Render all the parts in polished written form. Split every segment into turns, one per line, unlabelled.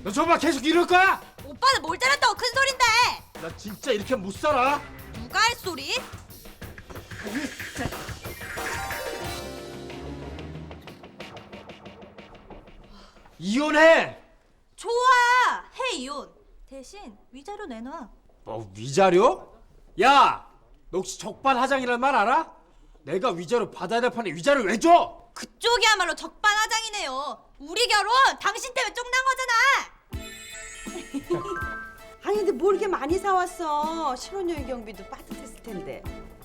너 정말 계속 이럴 거야?
오빠는 뭘 때렸다고 큰 소린데?
나 진짜 이렇게 못 살아.
누가 할 소리?
이혼해.
좋아, 해 이혼. 대신 위자료 내놔.
뭐 위자료? 야, 너 혹시 적반하장이란 말 알아? 내가 위자료 받아야 될 판에 위자료 왜 줘?
그쪽이야말로 적반하장이네요. 우리 결혼 당신 때문에 쪽난 거잖아.
아니 근데 뭘 이렇게 많이 사왔어? 신혼여행 경비도 빠듯했을 텐데.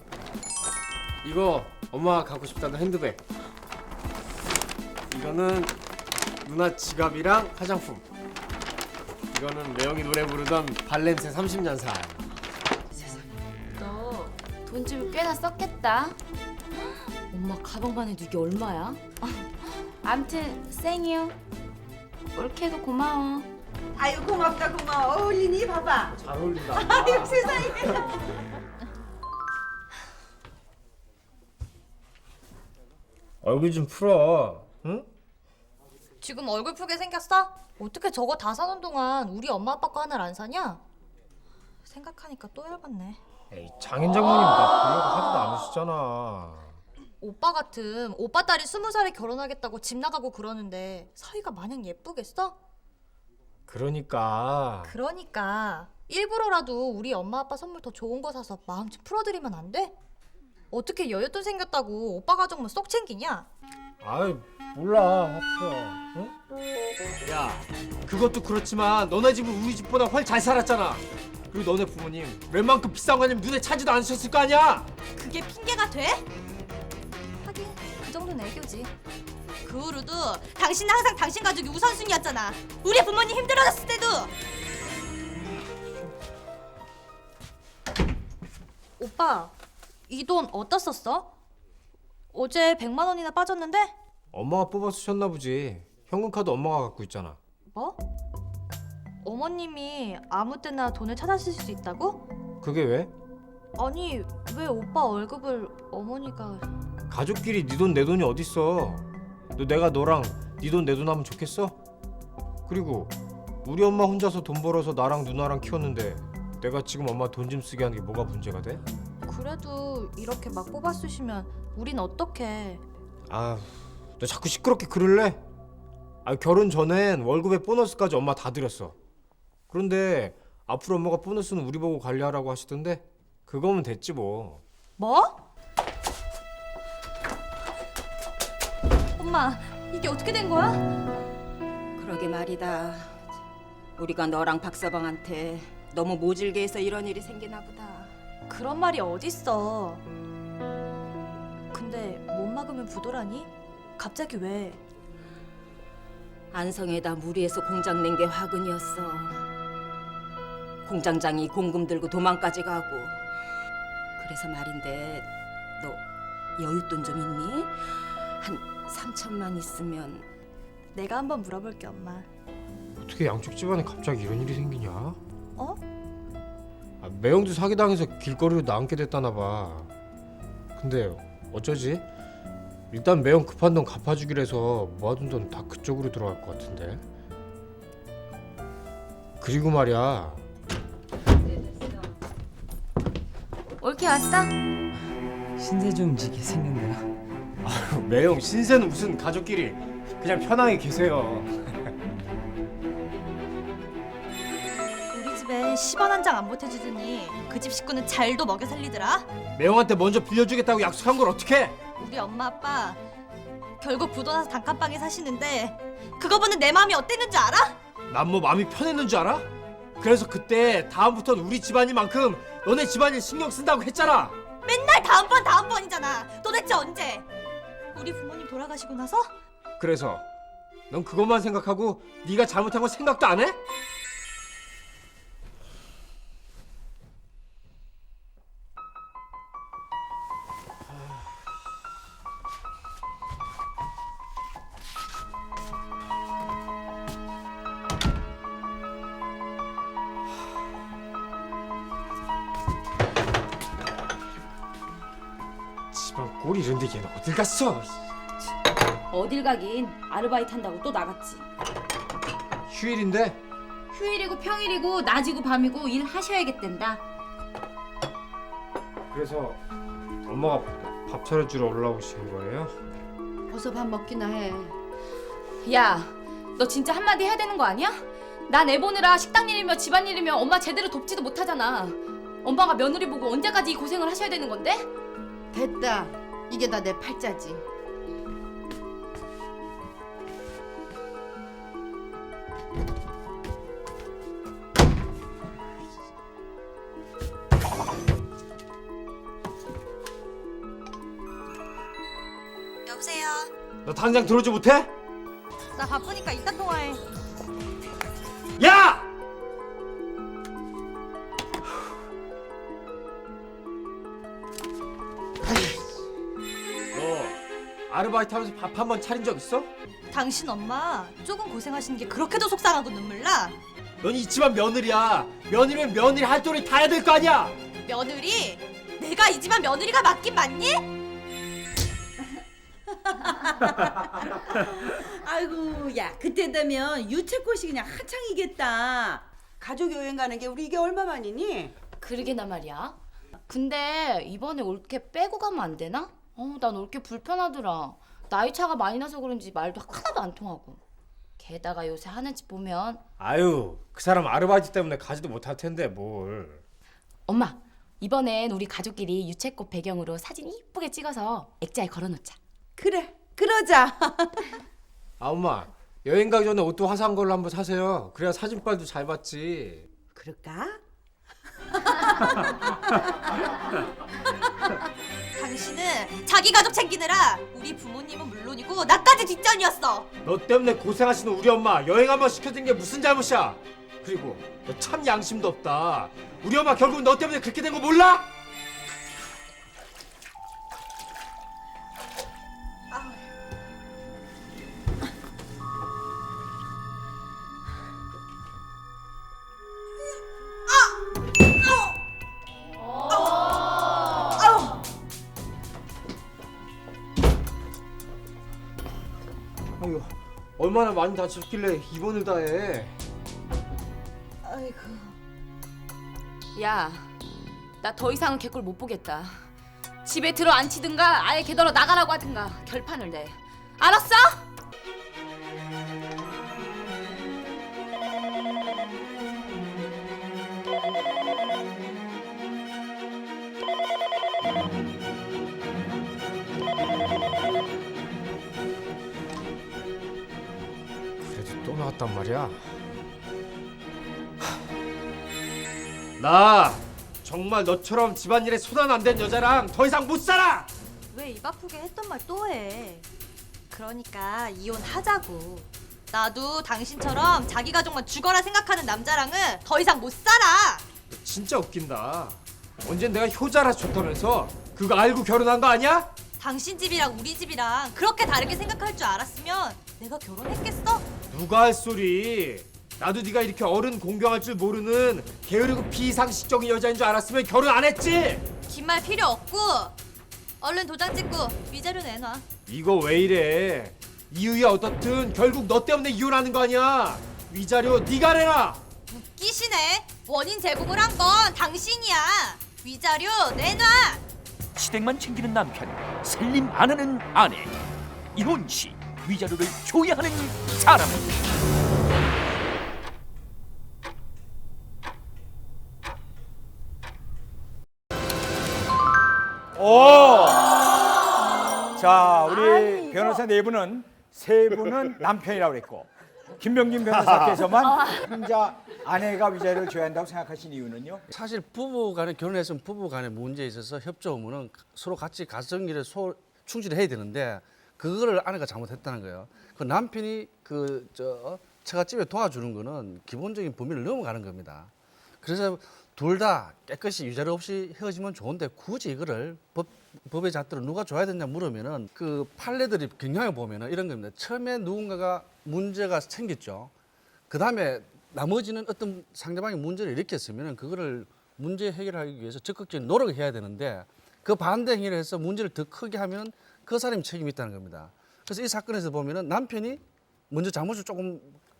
이거 엄마가 갖고 싶다는 핸드백. 이거는 누나 지갑이랑 화장품. 이거는 매형이 노래 부르던 발렌세 30년 살.
너 돈 주면 꽤나 썼겠다. 엄마 가방만 해도 이게 얼마야? 암튼 생유. 올케도 고마워.
아유 고맙다 고마워. 어울리니 봐봐.
잘 어울린다.
아유 세상에.
얼굴 좀 풀어. 응?
지금 얼굴 푸게 생겼어? 어떻게 저거 다 사는 동안 우리 엄마 아빠 거 하나를 안 사냐? 생각하니까 또 열받네.
에이, 장인 장모님 나 보려고 하지도 않으시잖아.
오빠 같음 오빠 딸이 20살에 결혼하겠다고 집 나가고 그러는데 사위가 마냥 예쁘겠어?
그러니까
일부러라도 우리 엄마 아빠 선물 더 좋은 거 사서 마음 좀 풀어드리면 안 돼? 어떻게 여윳돈 생겼다고 오빠 가족만 쏙 챙기냐?
아이 몰라 하프야. 응? 야 그것도 그렇지만 너네 집은 우리 집보다 훨 잘 살았잖아. 그리고 너네 부모님 웬만큼 비싼 거냐면 눈에 차지도 않으셨을 거 아니야.
그게 핑계가 돼? 하긴 그 정도는 애교지. 그 후로도 당신은 항상 당신 가족이 우선순위였잖아. 우리 부모님 힘들어졌을 때도. 오빠 이 돈 어디다 썼어? 어제 100만 원이나 빠졌는데?
엄마가 뽑아 쓰셨나 보지. 현금카드 엄마가 갖고 있잖아.
뭐? 어머님이 아무 때나 돈을 찾아 쓰실 수 있다고?
그게 왜?
아니 왜 오빠 월급을 어머니가...
가족끼리 네 돈 내 돈이 어딨어. 너 내가 너랑 네 돈 내 돈 하면 좋겠어? 그리고 우리 엄마 혼자서 돈 벌어서 나랑 누나랑 키웠는데 내가 지금 엄마 돈 좀 쓰게 하는 게 뭐가 문제가 돼?
그래도 이렇게 막 뽑아 쓰시면 우린 어떡해.
아, 너 자꾸 시끄럽게 그럴래? 아, 결혼 전엔 월급에 보너스까지 엄마 다 드렸어. 그런데 앞으로 엄마가 보너스는 우리 보고 관리하라고 하시던데 그거면 됐지 뭐.
뭐? 엄마 이게 어떻게 된 거야?
그러게 말이다. 우리가 너랑 박서방한테 너무 모질게 해서 이런 일이 생기나 보다.
그런 말이 어딨어. 근데 못 막으면 부도라니? 갑자기 왜?
안성에다 무리해서 공장 낸 게 화근이었어. 공장장이 공금 들고 도망까지 가고. 그래서 말인데 너 여윳돈 좀 있니? 한 3천만 있으면.
내가 한번 물어볼게 엄마.
어떻게 양쪽 집안에 갑자기 이런 일이 생기냐?
어?
아, 매형도 사기당해서 길거리로 나앉게 됐다나 봐. 근데 어쩌지? 일단 매형 급한 돈 갚아주기로 해서 모아둔 돈 다 그쪽으로 들어갈 것 같은데. 그리고 말이야.
올케 왔어?
신세 좀 지게 생겼네요.
매형 신세는 무슨 가족끼리 그냥 편하게 계세요.
우리 집에 10원 한 장 안 보태주더니 그 집 식구는 잘도 먹여 살리더라.
매형한테 먼저 빌려주겠다고 약속한 걸 어떡해?
우리 엄마 아빠 결국 부도 나서 단칸방에 사시는데 그거 보는 내 마음이 어땠는지 알아?
난 뭐 마음이 편했는 줄 알아? 그래서 그때 다음부터는 우리 집안이만큼 너네 집안일 신경 쓴다고 했잖아.
맨날 다음번이잖아. 도대체 언제? 우리 부모님 돌아가시고 나서?
그래서 넌 그것만 생각하고 네가 잘못한 건 생각도 안 해? 집안 꼴이 이런데 걔는 어딜 갔어?
어딜 가긴 아르바이트 한다고 또 나갔지.
휴일인데
휴일이고 평일이고 낮이고 밤이고 일 하셔야겠단다.
그래서 엄마가 밥 차려주러 올라오신 거예요?
어서 밥 먹기나 해.
야, 너 진짜 한마디 해야 되는 거 아니야? 난 애 보느라 식당 일이며 집안 일이며 엄마 제대로 돕지도 못하잖아. 엄마가 며느리 보고 언제까지 이 고생을 하셔야 되는 건데?
됐다. 이게 다 내 팔자지.
여보세요.
너 당장 들어오지 못해?
나 바쁘니까 이따 통화해.
야! 너 아르바이트 하면서 밥 한 번 차린 적 있어?
당신 엄마 조금 고생하시는 게 그렇게도 속상하고 눈물 나?
넌 이 집안 며느리야. 며느리면 며느리 할 도리 다 해야 될 거 아니야.
며느리? 내가 이 집안 며느리가 맞긴 맞니?
아이고, 야, 그때 되면 유채꽃이 그냥 한창이겠다. 가족 여행 가는 게 우리 이게 얼마만이니?
그러게나 말이야. 근데 이번에 올케 빼고 가면 안 되나? 난 올케 불편하더라. 나이 차가 많이 나서 그런지 말도 하나도 안 통하고. 게다가 요새 하는 짓 보면
아유, 그 사람 아르바이트 때문에 가지도 못할 텐데 뭘.
엄마, 이번엔 우리 가족끼리 유채꽃 배경으로 사진 이쁘게 찍어서 액자에 걸어놓자.
그래, 그러자.
아 엄마, 여행 가기 전에 옷도 화사한 걸로 한번 사세요. 그래야 사진빨도 잘 받지.
그럴까?
당신은 자기 가족 챙기느라 우리 부모님은 물론이고 나까지 뒷전이었어.
너 때문에 고생하시는 우리 엄마 여행 한번 시켜준 게 무슨 잘못이야? 그리고 너 참 양심도 없다. 우리 엄마 결국 너 때문에 그렇게 된 거 몰라? 아유, 얼마나 많이 다쳤길래 입원을 다 해.
아이고.
야, 나 더 이상은 개꼴 못 보겠다. 집에 들어 앉히든가 아예 개더러 나가라고 하든가 결판을 내. 알았어?
그래도 또 나왔단 말이야. 나 정말 너처럼 집안일에 손안 안 댄 여자랑 더 이상 못 살아.
왜 입 아프게 했던 말 또 해? 그러니까 이혼하자고. 나도 당신처럼 자기 가족만 죽어라 생각하는 남자랑은 더 이상 못 살아.
너 진짜 웃긴다. 언젠 내가 효자라 좋다면서 그거 알고 결혼한 거 아니야?
당신 집이랑 우리 집이랑 그렇게 다르게 생각할 줄 알았으면 내가 결혼했겠어?
누가 할 소리. 나도 네가 이렇게 어른 공경할 줄 모르는 게으르고 비상식적인 여자인 줄 알았으면 결혼 안 했지.
긴 말 필요 없고 얼른 도장 찍고 위자료 내놔.
이거 왜 이래? 이유야 어떻든 결국 너 때문에 이혼하는 거 아니야. 위자료 네가 내라.
웃기시네. 원인 제공을 한 건 당신이야. 위자료 내놔.
시댁만 챙기는 남편, 살림 안 하는 아내. 이혼 시 위자료를 줘야 하는 사람은
오! 자, 우리 변호사 네 분은 세 분은 남편이라고 그랬고 김병진 변호사께서만 혼자 아내가 위자료를 줘야 한다고 생각하신 이유는요?
사실 부부간에 결혼했으면 부부간에 문제에 있어서 협조하면은 서로 같이 가정일에 충실해야 되는데 그거를 아내가 잘못했다는 거예요. 그 남편이 처갓집에 도와주는 거는 기본적인 범위를 넘어가는 겁니다. 그래서 둘 다 깨끗이 위자료 없이 헤어지면 좋은데 굳이 이거를 법의 잣대로 누가 줘야 되냐 물으면은 그 판례들이 경향을 보면은 이런 겁니다. 처음에 누군가가 문제가 생겼죠. 그 다음에 나머지는 어떤 상대방이 문제를 일으켰으면은 그거를 문제 해결하기 위해서 적극적인 노력을 해야 되는데 그 반대 행위를 해서 문제를 더 크게 하면 그 사람이 책임이 있다는 겁니다. 그래서 이 사건에서 보면은 남편이 먼저 잘못을 조금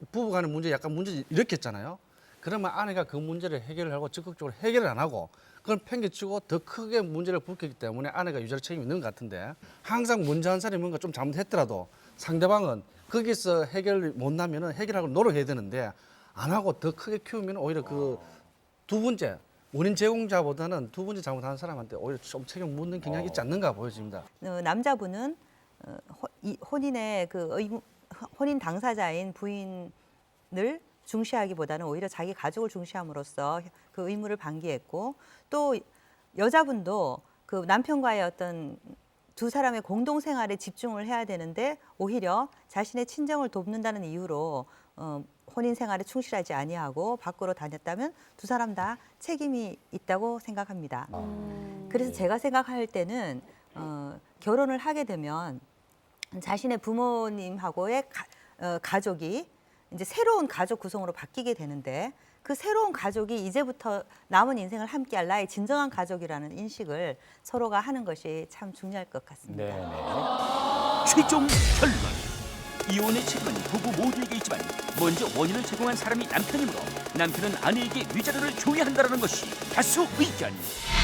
부부간의 문제 약간 문제 일으켰잖아요. 그러면 아내가 그 문제를 해결을 하고 적극적으로 해결을 안 하고 그걸 팽개치고 더 크게 문제를 불켰기 때문에 아내가 유죄로 책임이 있는 것 같은데 항상 문제 한 사람이 뭔가 좀 잘못했더라도 상대방은 거기서 해결을 못 나면은 해결하고 노력해야 되는데 안 하고 더 크게 키우면 오히려 그 두 번째 원인 제공자보다는 두 번째 잘못한 사람한테 오히려 좀 책임 묻는 경향이 있지 않는가 보여집니다.
남자분은 혼인의 혼인 당사자인 부인을 중시하기보다는 오히려 자기 가족을 중시함으로써 그 의무를 방기했고 또 여자분도 그 남편과의 어떤 두 사람의 공동 생활에 집중을 해야 되는데 오히려 자신의 친정을 돕는다는 이유로 혼인 생활에 충실하지 아니하고 밖으로 다녔다면 두 사람 다 책임이 있다고 생각합니다. 그래서 제가 생각할 때는 결혼을 하게 되면 자신의 부모님하고의 가족이 이제 새로운 가족 구성으로 바뀌게 되는데 그 새로운 가족이 이제부터 남은 인생을 함께할 나의 진정한 가족이라는 인식을 서로가 하는 것이 참 중요할 것 같습니다.
최종 결론. 이혼의 책임은 부부 모두에게 있지만 먼저 원인을 제공한 사람이 남편이므로 남편은 아내에게 위자료를 줘야 한다는 것이 다수 의견.